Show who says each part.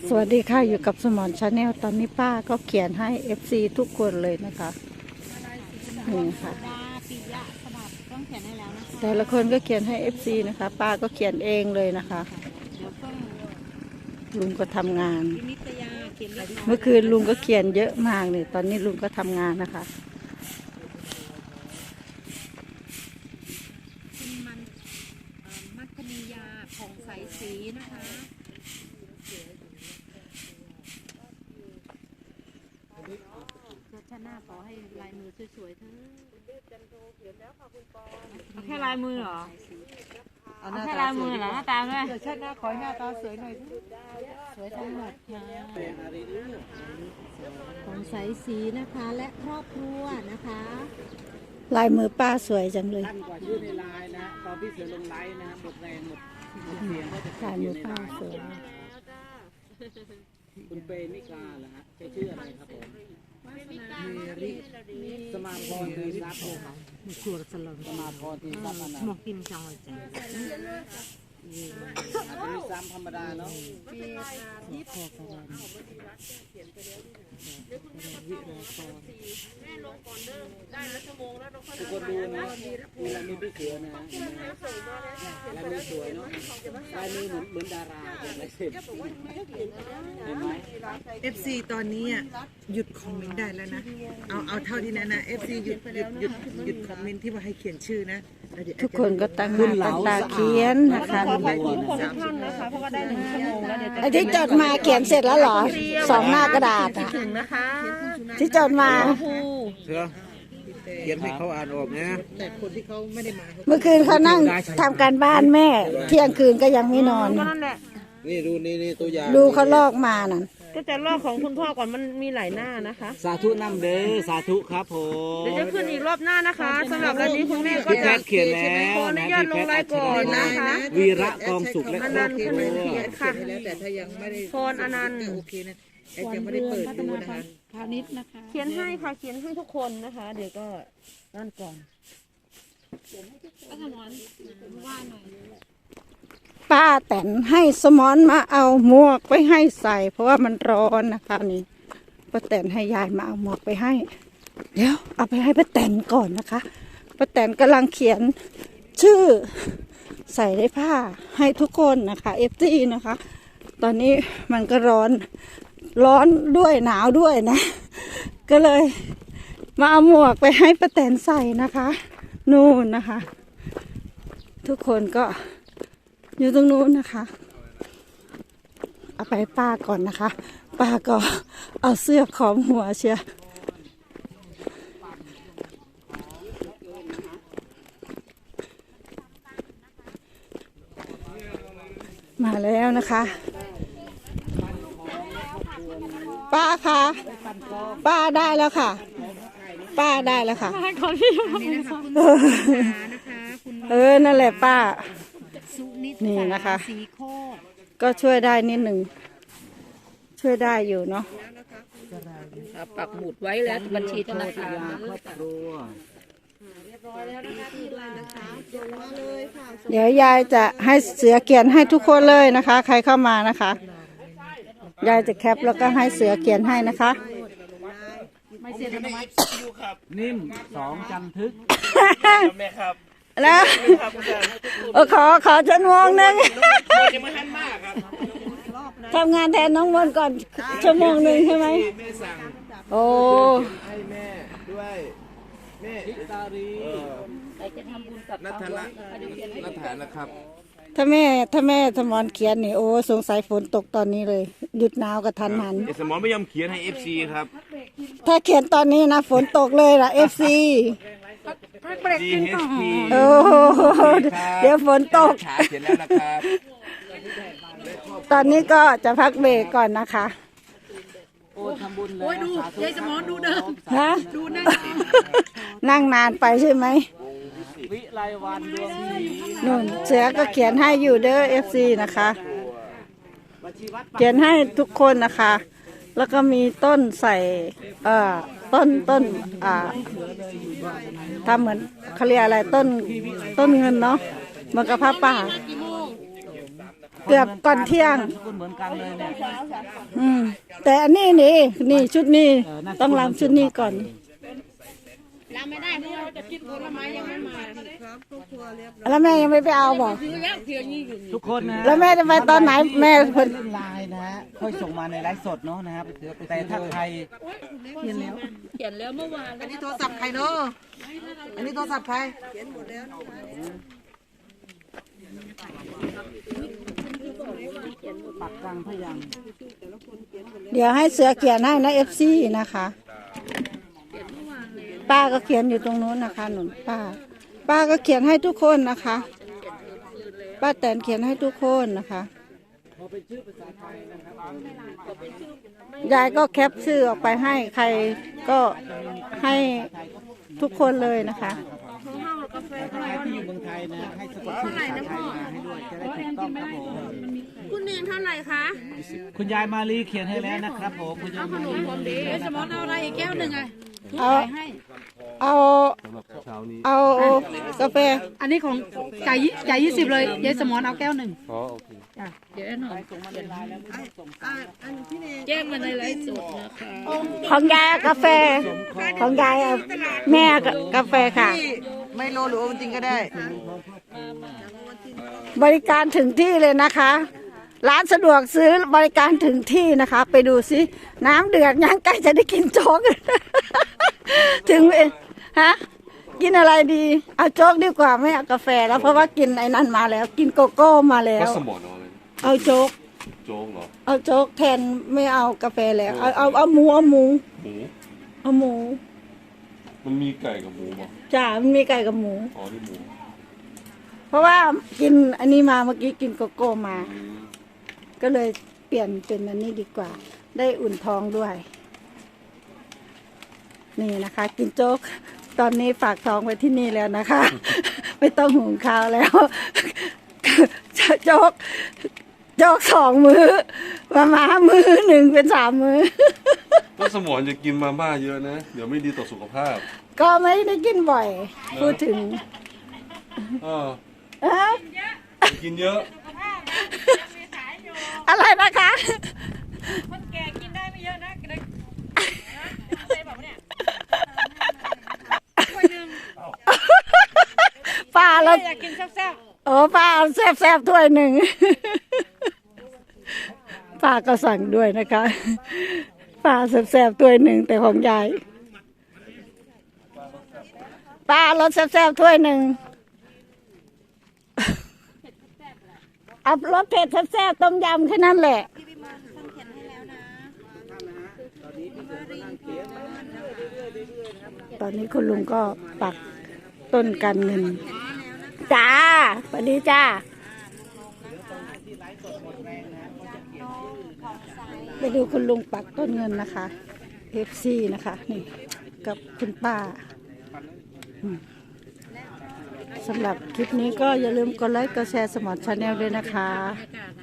Speaker 1: สวัสดีค่ะอยู่กับสมอนชาแนลตอนนี้ป้าก็เขียนให้ FC ทุกคนเลยนะคะนี่ค่ะแต่ละคนก็เขียนให้ FC นะคะป้าก็เขียนเองเลยนะคะลุงก็ทำงานเมื่อคืนลุงก็เขียนเยอะมากเลยตอนนี้ลุงก็ทำงานนะคะ
Speaker 2: มัคคณียาผ่องใสสีนะคะชาติหน้าขอให้ลายมือสวยๆเถอะแค่ลายมือเหรอเอาแค่ลายมือเหรอหน้าตาด้วย
Speaker 3: ชาติหน้าขอให้หน้าตาสวยหน่อย
Speaker 2: สวยทั้งหมดค่ะผ่องใสสีนะคะและครอบครัวนะคะ
Speaker 1: ลายมือป้าสวยจังเลย
Speaker 3: กว่าชื่อในไลน์นะตอนพี่เสือลงไลน์นะหมดแรงหมดเสียงก็จะ
Speaker 1: ลายมือป้าสวย
Speaker 3: คุณเปย์มิกาเหรอฮะใช้ชื่ออะไรครับผมสมาพรคือทรัพย์ครับสมาพรคือทรัพย์นะหมกกินจังเลยจ้ะอาจจะมีซ้ำธรรมดาเนาะทุกคนดูนะมีลายมือพี่เสือนะลายมือสวยเนาะลายมือเหมือนดาราลายเซ็นเห็นไหม
Speaker 4: FC ตอนนี้หยุดคอมเมนต์ได้แล้วนะเอาเท่าที่นั้นนะ FC หยุดคอมเมนต์ที่ว่าให้เขียนชื่อนะแล้วเดี๋ยว
Speaker 1: ทุกคนก็ตั้งหน้าตั้งตาเขียนนะคะ
Speaker 2: ขอบคุณทุกคนทุกท่านนะคะเพราะว่าได้1 ชั่วโมงแล้วเดี๋ยวจะ
Speaker 1: ไอ้ที่จดมาเขียนเสร็จแล้วเหรอสองหน้ากระดาษอะ
Speaker 2: ถึงนะคะ
Speaker 1: ที่จดมา
Speaker 5: เสือเขียนให้เขาอ่านออกนะ
Speaker 4: แต่คนที่เขาไม่ได้มา
Speaker 1: เมื่อคืนเขานั่งทำการบ้านแม่ เที่ยงคืนก็ยังไม่นอน
Speaker 2: ก็นั่นแหละ
Speaker 5: นี่ดูนี่ตัวอย่าง
Speaker 1: ดูเขาลอกมานั่น
Speaker 2: ก็จะลอกของคุณพ่อก่อนมันมีหลายหน้านะคะ
Speaker 3: สาธุนำเด้อสาธุครับผม
Speaker 2: เดี๋ยวจะขึ้นอีกรอบหน้านะคะสำหรับวันนี้คุณแม่ก็
Speaker 3: พี่แพ
Speaker 2: จะ
Speaker 3: ทย์เขียนแล้ว
Speaker 2: ขออนุญาตลงรายก่อนนะคะ
Speaker 3: วีระกองสุขและครอบครัว
Speaker 2: ค่ะ
Speaker 4: แล้วแต่ถ้ายังไม่ได้
Speaker 2: พรอนันต์
Speaker 4: โอเคนะแอดยังไม่ได้เปิดดูนะคะ
Speaker 2: เขียนให้ค่ะเขียนให้ทุกคนนะคะ เดี๋ยวก็นั่นก่อน
Speaker 1: ป้าแตนให้สมอนมาเอาหมวกไปให้ใส่ เพราะว่ามันร้อนนะคะนี่ป้าแตนให้ยายมาเอาหมวกไปให้ เดี๋ยวเอาไปให้ป้าแตนก่อนนะคะป้าแตนกำลังเขียนชื่อใส่ในผ้าให้ทุกคนนะคะFTนะคะ ตอนนี้มันก็ร้อนด้วยหนาวด้วยนะ ก็เลยมาเอาหมวกไปให้ป้าแตนใส่นะคะนู่นนะคะ ทุกคนก็อยู่ตรงนู้นนะคะเอาไปป้าก่อนนะคะป้าก็เอาเสื้อขอมหัวเชียมาแล้วนะคะป้าคะป้าได้แล้วค่ะป้าได้แล้วค่ะนั่นแหละป้านี่นะคะ ก็ช่วยได้นิดหนึ่งช่วยได้อยู่เนาะ
Speaker 2: ปักหมุดไว้แล้วบัญชีธนาคาร
Speaker 3: ครอบครัว
Speaker 1: เดี๋ยวยายจะให้เสือเขียนให้ทุกคนเลยนะคะ ใครเข้ามานะคะยายจะแคปแล้วก็ให้เสือเขียนให้นะคะ
Speaker 3: นิ่มสองจันทึก
Speaker 1: แล้วขอชั่วโมงหนึ่งทำงานแทนน้องมนก่อนชั่วโมงหนึ่งใช่ไหมโอ้
Speaker 5: ให้แม่ด้วยแม่
Speaker 3: พิตารี
Speaker 5: นัทละนัทฐานนะครับ
Speaker 1: ถ้าแม่สมอนเขียนนี่โอ้สงสัยฝนตกตอนนี้เลยหยุดหนาวกับทันหัน
Speaker 5: เอสมอนไม่ยอมเขียนให้ FC ครับ
Speaker 1: ถ้าเขียนตอนนี้นะฝนตกเลยล่ะ FC
Speaker 5: GHP
Speaker 1: โอ้โหเดี๋ยวฝนตก
Speaker 5: ขาเขียนแล้วนะครับ
Speaker 1: ตอนนี้ก็จะพักเบรกก่อนนะคะ
Speaker 3: โอ้ทำบุญแล้วดูยายสมอนดูเดิม
Speaker 1: ฮะนั่งนานไปใช่ไหม
Speaker 3: วิไลวันดวงดี
Speaker 1: นุ่นเสือก็เขียนให้อยู่เด้อ FC นะคะ
Speaker 3: บัญชีวัด
Speaker 1: เขียนให้ทุกคนนะคะ แล้วก็มีต้นใส่ต้นทำเหมือนเขาเรียกอะไรต้นเงินเนาะเหมือนกับผ้าป่าเกือบก่อนเที่ยง
Speaker 3: นามสกุลเหมือนกันเลยเนี่ย
Speaker 1: แต่อันนี้นี่ชุดนี้ต้องรำชุดนี้ก่อน
Speaker 2: เราไม่ได้เพราะเราจะกินผลไม้ยังไม่มา
Speaker 1: แล้วแม่ยังไม่ไปเอาบอก
Speaker 2: ซื้อแล้วเพียงนี้อยู่
Speaker 3: ทุกคนนะ
Speaker 1: แล้วแม่จะไปตอนไหนแม่เพิ่น
Speaker 3: เล่นไลน์นะฮะค่อยส่งมาในไลฟ์สดเนาะนะครับแต่ถ้าใคร
Speaker 2: เขียนแล้วเมื่อวาน
Speaker 4: อันนี้โทรศัพท์ใครเนาะอันนี้โทรศัพท์ใคร
Speaker 3: ปักกลางพยัง
Speaker 1: เดี๋ยวให้เสือเขียนให้นะ FC นะคะ ป้าก็เขียนอยู่ตรงนู้นนะคะหนุนป้าก็เขียนให้ทุกคนนะคะ ป้าแตนเขียนให้ทุกคนนะคะ
Speaker 3: พอเป็นชื่อภาษาไทยนะครับ
Speaker 1: ยายก็แคปชื่อออกไปให้ใครก็ให้ทุกคนเลยนะคะ
Speaker 3: ใครที่อยู่เมืองไทยนะให้สะกดชื่อภาษาไทยมาให้ด้วยจะได้ถูกต้องครับผม
Speaker 2: คุณเนนเท่าไหร่คะ
Speaker 3: คุณยายมาลีเขียนให้แล้วนะครับผมคุณยายมาลี
Speaker 2: สมอนเอาอะไรอีกแก้วหนึ่งไง
Speaker 1: เอาเอากาแฟ
Speaker 6: อันนี้ของจ่าย20เลยยายสมอนเอาแก้วหนึ่งจ้ะเดี๋ยวแอนหน่อยแจ้งมาในไลฟ์สดนะคะ
Speaker 1: ของยายกาแฟของยายเอาแม่กาแฟค่ะ
Speaker 4: ไมโลหรือโอวัลตินก็ได้
Speaker 1: บริการถึงที่เลยนะคะ ร้านสะดวกซื้อบริการถึงที่นะคะ ไปดูสิน้ำเดือดย่างใกล้จะได้กินโจ๊ก ถึงฮะกินอะไรดี เอาโจ๊กดีกว่าไม่เอากาแฟแล้วเพราะว่ากินไอ้นั่นมาแล้ว กินโกโก้มาแล้ว
Speaker 7: สมอนเอาอะไร
Speaker 1: เอาโจ๊ก
Speaker 7: โจ๊กเหรอ
Speaker 1: เอาโจ๊กแทนไม่เอากาแฟแล้วเอาหมูเอาหมู
Speaker 7: หมู
Speaker 1: เอาหมู
Speaker 7: มันมีไก่กับหมูป่ะ
Speaker 1: จ้ามันมีไก่กับหมู
Speaker 7: อ๋อนี่หมู
Speaker 1: เพราะว่ากินอันนี้มาเมื่อกี้กินโกโก้มา
Speaker 7: อืม
Speaker 1: ก็เลยเปลี่ยนเป็นอันนี้ดีกว่า ได้อุ่นท้องด้วย นี่นะคะ กินโจ๊ก ตอนนี้ฝากท้องไว้ที่นี่แล้วนะคะ ไม่ต้องหุงข้าวแล้ว โจ๊ก2 มื้อมามื้อหนึ่งเป็น3 มื้อ
Speaker 7: ก็สมอนจะกินมาม่าเยอะนะ เดี๋ยวไม่ดีต่อสุขภาพ
Speaker 1: ก็ไม่ได้กินบ่อย พูดถึง
Speaker 7: เออ
Speaker 1: เอ้า
Speaker 7: อย่ากินเยอะ
Speaker 1: อะไรนะคะ
Speaker 2: คนแก่กินได้ไม่เยอะนะเด็กใช่แบบเนี่ย
Speaker 1: ป้าแล้ว
Speaker 2: อยากกินแซ่บ
Speaker 1: โอ้ป้าเอาแซ่บๆถ้วยหนึ่ง ป้าก็สั่งด้วยนะคะป้าแซ่บๆถ้วยหนึ่งแต่ของยายป้ารสแซ่บๆถ้วยหนึ่งเอารสเผ็ดแซ่บๆต้มยำแค่นั้นแหละตอนนี้คุณลุงก็ปักต้นกันเงินจ้าสวัสดีจ้าไปดูคุณลุงปักต้นเงินนะคะ FC นะคะนี่กับคุณป้าสำหรับคลิปนี้ก็อย่าลืมกดไลค์กดแชร์สมอร์ทชาแนลด้วยนะคะ
Speaker 6: บรรยากาศนะ